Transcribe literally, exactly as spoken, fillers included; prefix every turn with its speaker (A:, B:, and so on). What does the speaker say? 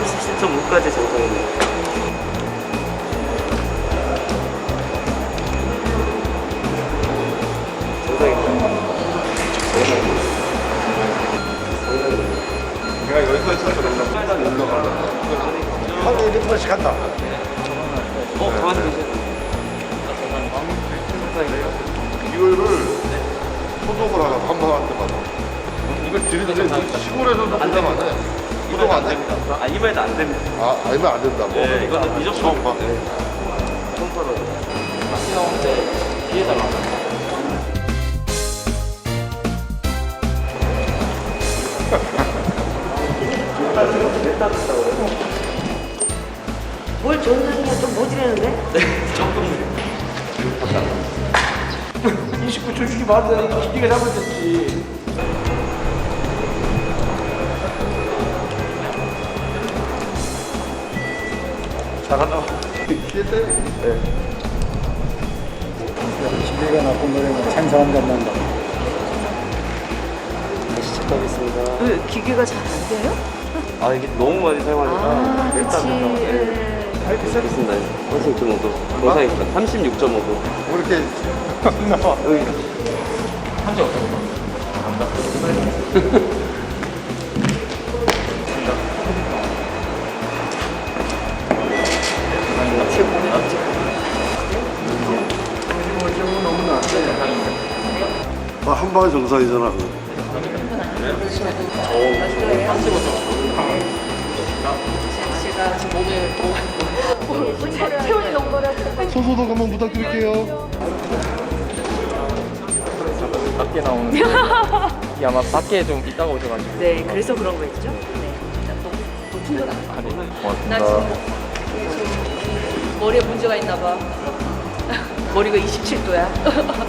A: 삼십칠 점 오까지 정상이네요. 정상입니다.
B: 내가 여기까지 쳐서 올라가. 올라가.
C: 하루에 몇 번씩 간다.
A: 어, 가만히 계세요.
B: 이거를 소독을 하라고 한 번 할 때마다. 이거 들이대 시골에서도
A: 안
B: 소독 안 해. 소독 안 돼?
A: 아, 이번에도 안 됩니다.
B: 아, 알면 안 된다고?
A: 네, 이거는 미적분.
B: 처음 봐.
A: 네. 처음 봐요. 다시 나오는데 뒤에다가.
D: 뭘 줬느냐 좀 모질했는데?
A: 네, 조금.
C: 이십구 초 주기 말도 안 돼. 기계가 잘못됐지. 잘한다.
B: 네.
C: 기계가 나쁜 노래는 생사함도 안 난다.
A: 시작하겠습니다.
D: 왜 기계가 잘 안 돼요?
A: 아, 이게 너무 많이 사용하니까.
D: 아, 그렇지.
A: 네.
D: 예.
A: 할게 시작했습니다. 삼십육 점 오 도. 정상입니다. 삼십육 점 오 도.
B: 왜 이렇게
C: 나와.
B: 아, 한 방에 정상이잖아.
D: 제가 지금 몸에 체온이 너무 떨어져.
B: 소소독 한번 부탁드릴게요.
E: 밖에 나오는 이게 아마 밖에 좀 있다가 오셔가지고
D: 네, 그래서 그런 거 있죠. 네. 너무 높은 건 아니고.
E: 아니
D: 나
E: 고맙습니다.
D: 지금 머리에 문제가 있나 봐. 머리가 이십칠 도야.